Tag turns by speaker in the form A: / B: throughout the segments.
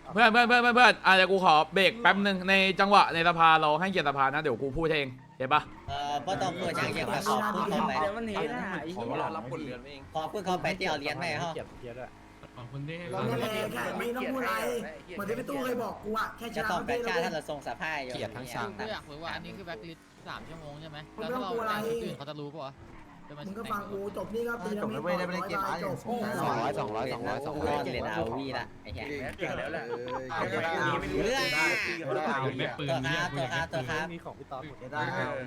A: เพื่อนเดี๋ยวกูขอเบรกแป๊บนึงในจังหวะในสภาเราให้เกียรติสภานะเดี๋ยวกูพูดเองเห็นปะ
B: ก็ต้องเปิดอย่างเดียวขอบคุณเขาไป
C: เดี๋ยวมันหนีนะไอ้
D: ขอ
C: เหี้ย
D: เรารับบทเรียนเอง
B: ขอบคุณเขาไปที่เอาเรียนไหมเขา
E: ขอบคุณที่ให้
F: เราไม่แค่ไม่ต้องพูดอะไรเหมือนที่พี่ตู้เคยบอกกูอะแค่ช
B: จะ
F: นะ
B: ต้อง
F: ประ
B: ไป
F: เทศ
B: ชา
F: เรา
B: ถ้าเราทรงสภาพอยู่
D: เกียรติทั้งสาม
G: ก็อยากรู้ว่าอันนี้คือแบ็คลิสต์3 ชั่วโมงใช่ไหม
F: มึง
G: แล้ว
F: ไม่
G: ถ้า
F: ต้อง
G: เรา
F: กลัวอะไร
G: คนอื่นเขาจะรู้ป่ะ
F: มึงก็ฟังกูจบนี่ก็ตี
D: จบแล้วเว้ยได้ไปเล่นเกมจบ
B: 200 200วีละไอ้แค่
C: เก่งแล้วแหละ
B: เรื่อง
E: ได้ปืน
B: ตัวครับ
D: มีของพี่ต๊อดหมดได้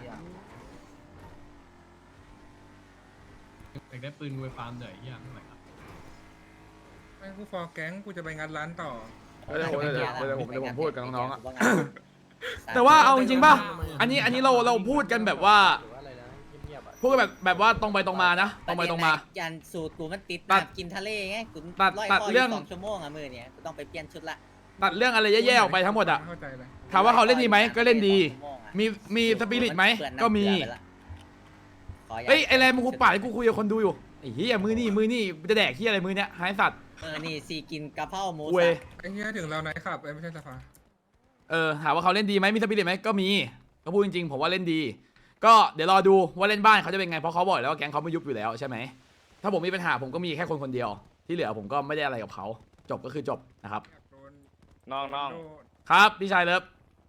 E: ได้ปืนกูไปฟาร์มเหนื่อยยังไงครับ
C: ไม่กูฟอร์แก๊งกูจะไปงานร้านต่อ
A: เดี๋ยวผมพูดกับน้องๆอะแต่ว่าเอาจริงๆป่ะอันนี้เราพูดกันแบบว่า
D: หรือว่าอะไรนะเงียบๆอ่ะ
A: พูดกันแบบว่าตรงไปตรงมานะตรงไปตรงมา
B: ยันสูตรกูมันติดกินทะเลไงกู2 ชั่วโมงอะมือเนี่ยกูต้องไปเปลี่ยนชุดละ
A: ตัดเรื่องอะไรแย่ๆออกไปทั้งหมดอะ
C: เข้าใจเลย
A: ถามว่าเขาเล่นดีไหมก็เล่นดี มีสปิริตไหมก็มีเฮ้ยไอแรมมึงกูป่าดกูคุยกับคนดูอยู่ไอ้เหี้ยมือนี่จะแดกเหี้ยอะไรมือเนี้ยหายสัตว์
B: นี่ซีกินกะเพราหมู
A: เว้ย
C: ไอ้เหี้ยถึงเราไหนขับไม่ใช่สภา
A: ถามว่าเขาเล่นดีไหมมีสปิริตไหมก็มีก็พูดจริงๆผมว่าเล่นดี ก็เดี๋ยวรอดูว่าเล่นบ้านเขาจะเป็นไงเพราะเขาบอกแล้วว่าแก๊งเขาไม่ยุบอยู่แล้วใช่ไหมถ้าผมมีปัญหาผมก็มีแค่คนเดียวที่เหลือผมก็ไม่ได้อะไรกับเขาจบก็คือจบนะครับ
D: น้อง
A: ครับพี่ชายเลิฟ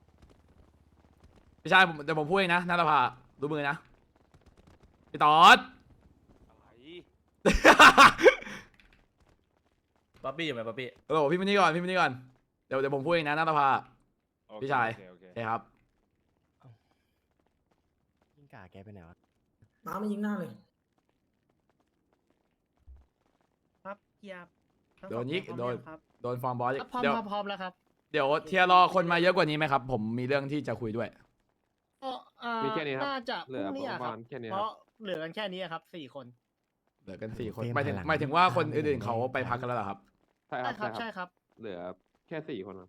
A: พี่ชายเดี๋ยวผมพูดเองนะนัทภาดูมือนะพี่ตอด
D: ป๊อปปี้อยู่ไหมป๊อปปี้
A: โอ้พี่มานี่ก่อนเดี๋ยวผมพูดเองนะนัทภาพี่ชายใช่ครับ
D: ยิงกาแกไปไหนวะ
F: น้ำไม่ยิงหน้าเลย
C: ครับเกียบ
A: โดนยิกโดนฟอร์มบอส
C: พร้อม
A: เดี๋ยว
C: พร้อมแล้วครับ
A: เดี๋ยวเทียร์รอคนมาเยอะกว่านี้ไหมครับผมมีเรื่องที่จะคุยด้วย
H: มีแค่นี้ครับ
C: น่าจะ
H: เหลือประมาณแค่นี้
C: เพ
H: ครับ
C: ราะเหลือกันแค่นี้ครับ4 คน
A: เหลือกัน4 คนหมายถึงว่าคนอื่นๆเขาไปพักกันแล้วเหรอครับ
H: ใช่ครับ
C: ใช่ครับ
H: เหลือแค่4 คนครับ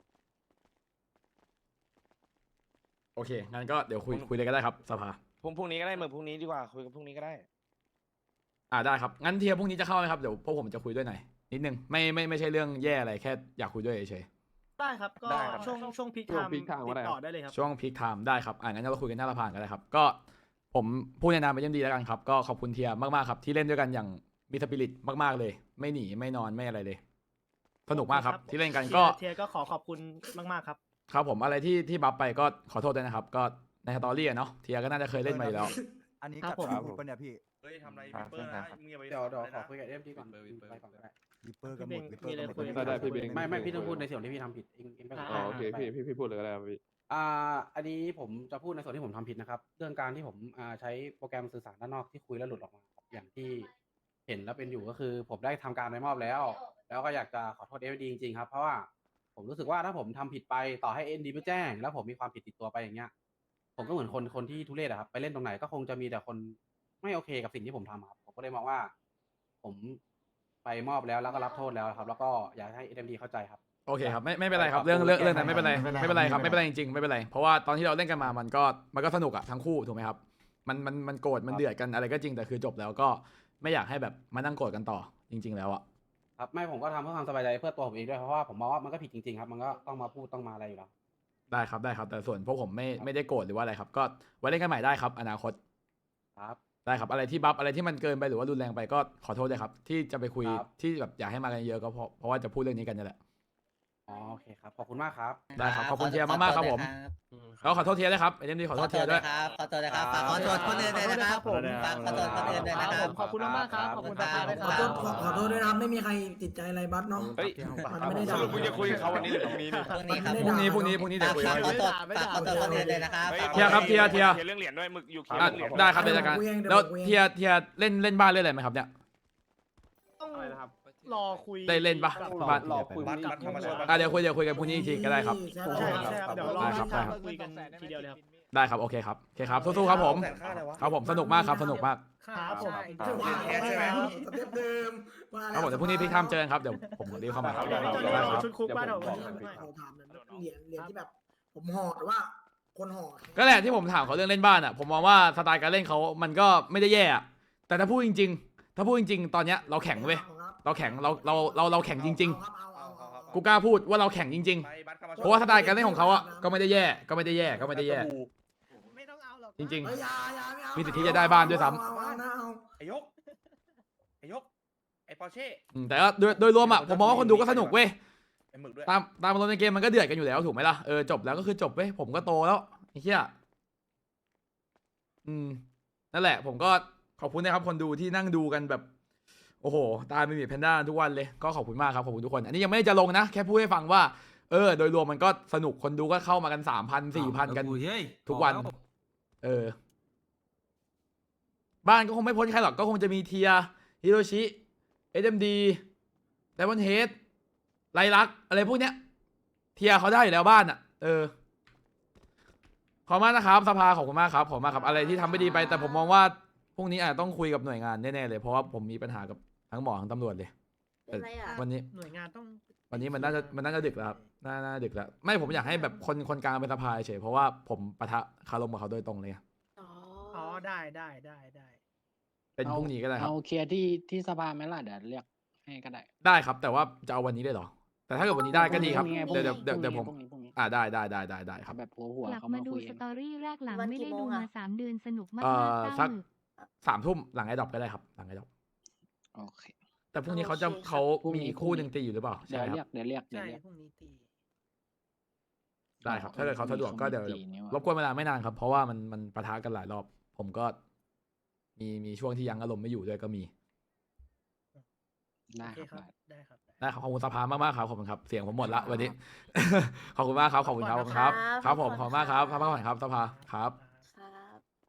A: โอเคงั้นก็เดี๋ยวคุยเลยก็ได้ครับสภา
D: พรุ่งนี้ก็ได้พรุ่งนี้ดีกว่าคุยกันพรุ่งนี้ก็ได้
A: ได้ครับงั้นเทียร์พรุ่งนี้จะเข้าไหมครับเดี๋ยวพวกผมจะคุยด้วยหน่อยนิดนึงไม่ใช่เรื่องแย่อะไรแค่อยากคุยด้วยเฉย
C: ได้ครับก็
D: ได้ครับ
C: ช่วงพีคไทม์
H: peak time
C: ติ
H: ก็ได้
C: ดต่อได้เลยครับ
A: ๆช่วงพีคไทม์ได้ครับงั้นเราคุยกันหน้าสภาก็ได้ครับก็ผมพูดในนามเป็นยังดีแล้วกันครับก็ขอบคุณเทียร์มากๆครับที่เล่นด้วยกันอย่างมีสปิริตมากๆเลย ไม่หนีไม่นอนไม่อะไรเลยสนุกมากครับที่เล่นกันก็
C: เทียร์ก็ขอบคุณมากๆครับ
A: ครับผมอะไรที่บัฟไปก็ขอโทษด้วยนะครับก็ในสตอรี่อะเนาะเทียร์ก็น่าจะเคยเล่นมาอยู่แล้ว
I: อันนี้
C: ครั
I: กั
C: บบ ผม
I: หมุดปะเนี่ยพี่
D: เฮ้ยทำอะไรวิปเปอร์นะมึงอย่าไป
I: เดี๋ยวขอคุยกับเอฟดีก่อนไปก่อนก็ได้
H: วิปเปอร์กับ
C: พี่
H: ห
C: เบ
H: มุ
C: ง
H: ดวิปเปอร์
C: มีอะไร
H: กับห
C: คุ
H: มุ
C: ย
H: ดได้พี่เบง
I: ไม่พี่ต้องพูดในส่วนที่พี่ทำผิดเองไปก่อน
H: อ๋อโอเคพี่พูดเลยก็ได้ครับพี่
I: อันนี้ผมจะพูดในส่วนที่ผมทำผิดนะครับ เรื่องการที่ผมใช้โปรแกรมสื่อสารด้านนอกที่คุยแล้วหลุดออกมาครับอย่างที่เห็นแล้วเป็นอยู่ก็คือ ผมได้ทำการไปมอบแล้ว แล้วก็อยากจะขอโทษเอฟดีจริงๆครับเพราะว่าผมรู้สึกว่าถ้าผมทำผิดไปต่อให้เอ็นดีไม่แจ้ง แล้วผมมีความผิดติดตัวไปอย่างเงี้ยผมก็เหมือนคนที่ทุเรศอะครับไปเล่นตรงไหนก็คงจะมีแต่คนไม่โอเคกับสิ่งที่ผมทำครับผมก็เลยมองว่า ผมไปมอบแล้วก็รับโทษแล้วครับ แล้วก็อยากให้เอ็มดีเข้าใจครับ
A: โอเคครับไม่เป็นไรครับเรื่องนั้นไม่เป็นไรครับไม่เป็นไรจริงๆไม่เป็นไรเพราะว่าตอนที่เราเล่นกันมามันก็สนุกอะทั้งคู่ถูกไหมครับมันโกรธมันเดือดกันอะไรก็จริงแต่คือจบแล้วก็ไม่อยากให้แบบมานั่งโกรธกันต่อจริง ๆ แล้วอะ
I: ครับไม่ผมก็ทำเพื่อความสบายใจเพื่อตัวผมเองด้วยเพราะว่าผมมองว่ามันก็ผิดจริงๆครับมันก็ต้องมาพูดต้องมาอะไรอยู่แล้ว
A: ได้ครับแต่ส่วนพวกผมไม่ได้โกรธหรือว่าอะไรครับก็ไว้เล่นกันใหม่ได้ครับอนาคต
I: ครับ
A: ได้ครับอะไรที่บัฟอะไรที่มันเกินไปหรือว่ารุนแรงไปก็ขอโทษด้วยครับที่จะไปคุย
I: ครับ
A: ที่แบบอยากให้มากันเยอะก็เพราะว่าจะพูดเรื่องนี้กันนี่แหละ
I: อ๋อโอเคครับขอบคุณมากครับ
A: ได้ครับขอบคุณเทียร์มากๆครับผมแล้วขอโทษเทียร์ด้วยครับไอ้เรื่องนี้ขอโทษเทียร์ด้วย
B: ขอโทษนะครับฝากขอโทษคนอื่นด้วยนะครับ
C: ผม
B: ฝากขอโทษคนอื่นด้วยนะครับ
C: ขอบคุณมากครับขอบคุณตาตาด้วยค
F: ขอ
C: รับ
F: โทษขอโทษด้วยนะครับไม่มีใครติดใจอะไรบัสเนาะ
D: เฮ้ย
F: มันไม่ได้ด่า
D: มึงจะคุยกับเขาวันนี้หรือพรุ่งนี้เนี่ย
B: พรุ่งนี้ครับ
A: พรุ่งนี้เดี๋ยวคุย
B: ฝาก
A: กัน
B: ขอโทษคนอื่นด้วยนะครับ
A: เทียร์ครับเทียร์
D: เรื่องเหรียญด้วยมึงอยู่เคลีย
A: อ่ะ
D: ร์เรื่องเหรียญ
A: ได้ครับเดี๋ยวจัดการแล้วเทียร์เล่นบ้านเล่นอะไรไหมครับเนี่ย
C: ต้องรอคุย
A: ได้เล่นปะ
C: กับ
A: บ้าน
H: รอคุย
D: บ้านธรรมชาติ
A: เดี๋ยวคุยกันพรุ่งนี้อีกทีก็ได้ครับ
C: ใช่ครับเดี๋ยวรอ
A: ได้ครับ
C: คุยกันทีเดียวเลยครับ
A: ได้ครับโอเคครับสู้ๆครับผมครับผมสนุกมากครับสนุกมาก
C: ครับผม
F: จะว่าสเต็ปเดิมว่า
A: ครับผมเดี๋ยวพรุ่งนี้พี่ทามเจอกันครับเดี๋ยวผมรีบเข้ามาครับ
C: พี่โจ
A: ได้
C: นี่
A: ครับ
C: ชุดคุกบ้านเรา
F: เขาถามเหรียญที่แบบผมห่อหรือว่าคนห่อ
A: ก็แหละที่ผมถามเขาเรื่องเล่นบ้านอ่ะผมมองว่าสไตล์การเล่นเขามันก็ไม่ได้แย่อะแต่ถ้าพูดจริงๆตอนเนี้ยเราแข็งเว้ยเราแข็งเราแข็งจริง
F: เอา
A: กูกล้าพูดว่าเราแข่งจริง
D: ไปบัตรเข้ามา
A: ๆ เพราะว่าสไตล์การเล่นของเขาอะก็ไม่ได้แย่ก็ไม่ได้แย่ก็ไม่ได้แย่
F: ไม่ต้องเอาหรอก
A: จริง
F: เฮ้ยอย่าไม่เอา
A: มีสิทธิ์ที่จะได้บ้านด้วยซ้ำ
F: เอานะเอา
D: ไอ้ยกไอ้ปอร์เช่
A: แต่ก็โดยรวมอะผมมองว่าคนดูก็สนุกเว้ย
D: ไอ้หมึกด้วย
A: ตามอารมณ์ในเกมมันก็เดือดกันอยู่แล้วถูกไหมล่ะจบแล้วก็คือจบเว้ยผมก็โตแล้วไอ้เหี้ยนั่นแหละ ผมก็ขอบคุณนะครับคนดูที่นั่งดูกันแบบ โอ้โหตายไม่มีแพนด้าทุกวันเลยก็ขอบคุณมากครับขอบคุณทุกคนอันนี้ยังไม่ได้จะลงนะแค่พูดให้ฟังว่าโดยรวมมันก็สนุกคนดูก็เข้ามากัน3,000 4,000กันทุกวันบ้านก็คงไม่พ้นใครหรอกก็คงจะมีเทียฮิโรชิSMD ไดมอนเฮดไลลักอะไรพวกเนี้ยเทียเขาได้อยู่แล้วบ้านอ่ะขอบคุณมากนะครับสภาขอบคุณมากครับขอบคุณมากครับอะไรที่ทำไม่ดีไปแต่ผมมองว่าพรุ่งนี้อาจจะต้องคุยกับหน่วยงานแน่ๆเลยเพราะว่าผมมีปัญหากับทั้งหมอทั้งตำรวจเลยแต่วันนี้
F: หน่วยงานต้อง
A: วันนี้มันน่าจะดึกแล้วครับน่าดึกแล้วไม่ผมอยากให้แบบคนกลางเป็นสภาเฉยเพราะว่าผมปะทะคารมกับเขาโดยตรงเลยไง
F: อ๋อได้
A: เป็นพรุ่งนี้ก็ได้ครับ
G: เอาเคลียร์ที่สภาไหมล่ะเดี๋ยวเรียกให้ก็ได้
A: ได้ครับแต่ว่าจะเอาวันนี้ได้เหรอแต่ถ้าเกิดวันนี้ได้ก็ดีครับ
G: พรุ่งนี้
A: เดี๋ยวผม
G: พรุ่งนี้
A: ได้ครับ
G: แบบหัว
J: กลับ
G: เขา
J: มา
G: มา
J: ดู
G: คุย
J: ส
G: กัน
J: ตอรี่แรกหลัง
B: วัน
J: ไม่
B: กี่
J: ได้
B: โม
J: ดู
B: ง
J: มา
B: อะ
J: 3 เดือนสนุกมาก
A: สัก
J: เศร้า
A: 3 ทุ่มหลังไอ้ดอกก็ได้ครับหลังไอ้ดอก
G: โอเค
A: แต่พรุ่งนี้เขามีอีกคู่หนึ่งตีอยู่หรือเปล่า
G: เดี๋
A: ใช่
G: ยว
A: ค
G: เรีย
A: รับ
G: กเดี๋ยวเรียก
F: ใช่พรุ่งนี้ตี
A: ได้ครับถ้าเกิดเขาสะดวกก็เดี๋ยว
G: ตีนี่ว่ะ
A: รบกวนเวลาไม่นานครับเพราะว่ามันปะทะกันหลายรอบ ผมก็มีช่วงที่ยังอารมณ์ไม่อยู่ด้วยก็มี
G: ได้
F: โอเค
G: ครับ
F: ได้ครับ
A: ได้ครับขอบคุณสภามากๆครับขอบคุณครับเสียงผมหมดละวันนี้ ขอบคุณมากครับขอบคุณครับขอบคุณครับครับผมขอบคุณมากครับพักผ่อนครับสภาครับ
J: ครับ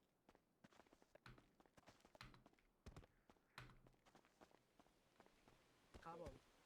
F: ครับผม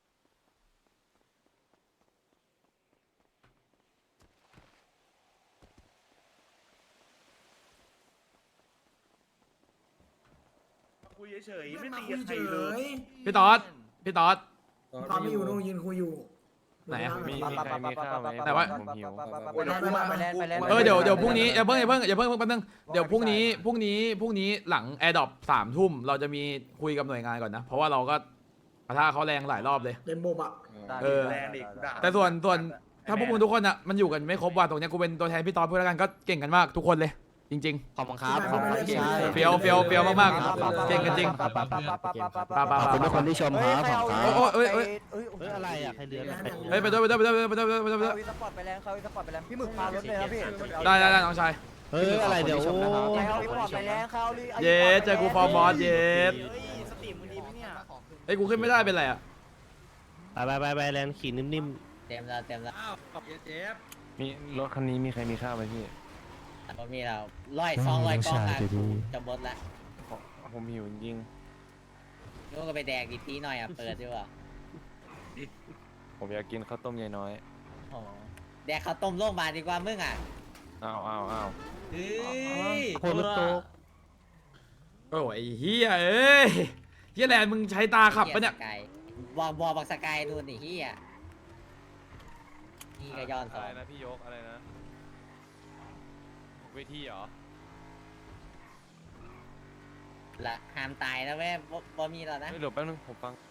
D: คุยเฉยๆไม่ตีกับใครเลย
A: พี่ต๊อด
F: ตอนไม่อยู่นู่นยืนคุยอยู่
A: ไหนอะ
H: มีใครมีข้าวไหม
A: แต่ว่า
H: ผมหิว
A: เดี๋ยวพรุ่งนี้อย่าเพิ่งแป๊บนึงเดี๋ยวพรุ่งนี้หลังแอร์ดรอป3 ทุ่มเราจะมีคุยกับหน่วยงานก่อนนะ เพราะว่าเราก็ปะทะเขาแรงหลายรอบเลย
F: เล่นโบอะ
D: แรงดิด่า
A: แต่ส่วนถ้าพวกมึงทุกคนอ่ะมันอยู่กันไม่ครบว่ะตรงเนี้ยกูเป็นตัวแทนพี่ต๊อดเพื่อนแล้วกันก็เก่งกันมากทุกคนเลย จริง
G: ขอบคุณครับ
F: ขอบคุณครับ
A: ๆเฟียวมากๆเก่งกันจริงป้า
G: ขอบคุณทุกคนที่ชมครับผมครับ
A: โอ้ย
G: อะไรอ่ะใครเดือน
A: เฮ้ยไปด้วย
B: สปอร์ตไปแล้วเขาสปอร์ตไปแล้วพี่หมึกพารถเลยครับพี่
A: ได้น้องชาย
G: เฮ้ยอะไรเดี๋ยว
B: เขาสปอร์ตไปแล้วเขา
A: เย้เจอกูฟอร์บอสเย้
B: สตรีมมึงดีไหมเนี่ย
A: เฮ้ยกูขึ้นไม่ได้เป็นไรอ่ะ
G: ไปแลนขี่นิ่ม
B: เต็มแล้ว
H: มีรถคันนี้มีใครมีข้าวไหมพี่
B: พอมีเรา100 200กล่องอ่ะจะบดละ
H: ผมหิวจริง
B: ลูกก็ไปแดกดีทีหน่อยอ่ะเปิดด้วย
H: ผมอยากกินข้าวต้มยายน้อย
B: โอ้แดกข้าวต้มโลกมาดีกว่ามึงอ่ะ
H: อ้าว
B: เฮ้ย
G: คนรถโต
A: โอ้ยไอ้เฮียเอ้ยเฮียแลนด์มึงใช้ตาขับปะเนี่ย
B: บอกสกายดูนี่เฮียนี่ก็ย้อนส
H: อะ
B: อ
H: ไรง นะพี่ยกอะไรนะเวทีเหรอ
B: ละห้ามตายนะแม่บ่มีแล้วนะ
H: เดี๋ยวแป๊บนึงผมฟัง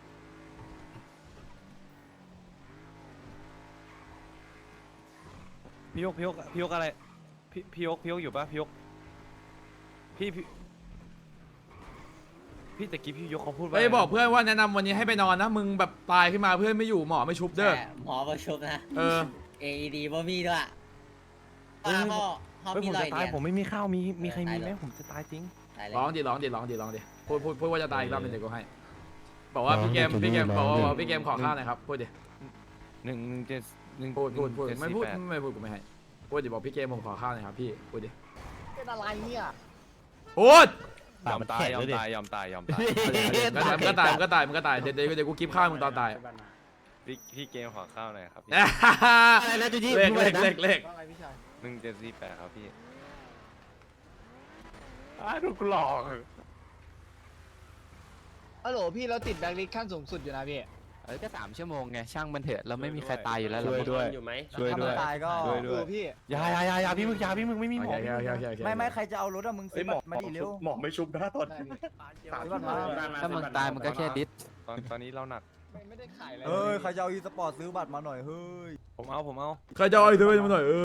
H: พี่ยกอะไรพี่ยกอยู่ปะพี่ยกพี่ตะกี้พี่ยกเขาพูดว่า
A: ไปบอกเพื่อนว่าแนะนำวันนี้ให้ไปนอนนะมึงแบบตายขึ้นมาเพื่อนไม่อยู่หมอไม่ชุบเด้อ
B: หมอประชุมนะ AED บ่มีด้วย
H: เฮ้ย
B: เขา
H: เฮ้ย
B: มี
H: ผม
B: รอ
H: จะ
B: ย
H: ตาย
B: เดีย
H: ผมไม่มีข้าวมีใครมีไหม
B: ตายแล้ว
H: ผมจะตายจริง
B: ตายแล้ว
A: ร้องดิพูดว่าจะตายอีกรอบนึงเดี๋ยวกูให้บอกว่าพี่เกมบอกว่าพี่เกมขอข้าวหน่อยครับพูดดิ
H: 1
A: พูดไม่พูดกูไม่ให้พูดดิบอกพี่เกมผมขอข้าวหน่อยครับพี่พูดดิ
F: เป็นอะไรเนี่ย
A: พูด
H: ยอมตายก็ตาย
A: ก็ตายเดี๋ยวกูกิฟข้าวมึงตอนตาย
H: พี่เกมขอข้าวหน่อยครับพี่
G: อะไรนะจูจี้
A: เลข
F: ว่าไงพี่ชาย
H: 1748ครับพี่ถูกหลอก
F: ฮัลโหลพี่เราติดแบล็คลิสต์ขั้นสูงสุดอยู่นะพี่
G: ก็3 ชั่วโมงไงช่างมันเถอะเราไม่มีใครตายอยู่แล้ว
H: ช่วยด้วย ช่วยด้วย
B: ตายก็
H: ช่วยด้วย
F: พี่
H: อย่าพี่มึงไม่มีหมอ
B: ไม่ใครจะเอารถอะมึงซื้อมาดิเร็ว
D: หมอไม่ชุบนะตอน
G: ถ้ามึงตายมันก็แค่ดิส
H: ตอนนี้เราหนัก
K: เฮ้ยใครจะเอาอีสปอร์ตซื้อบัตรมาหน่อยเฮ้ย
H: ผมเอา
A: ใครจะเอาไอ้เธอไปมาหน่อย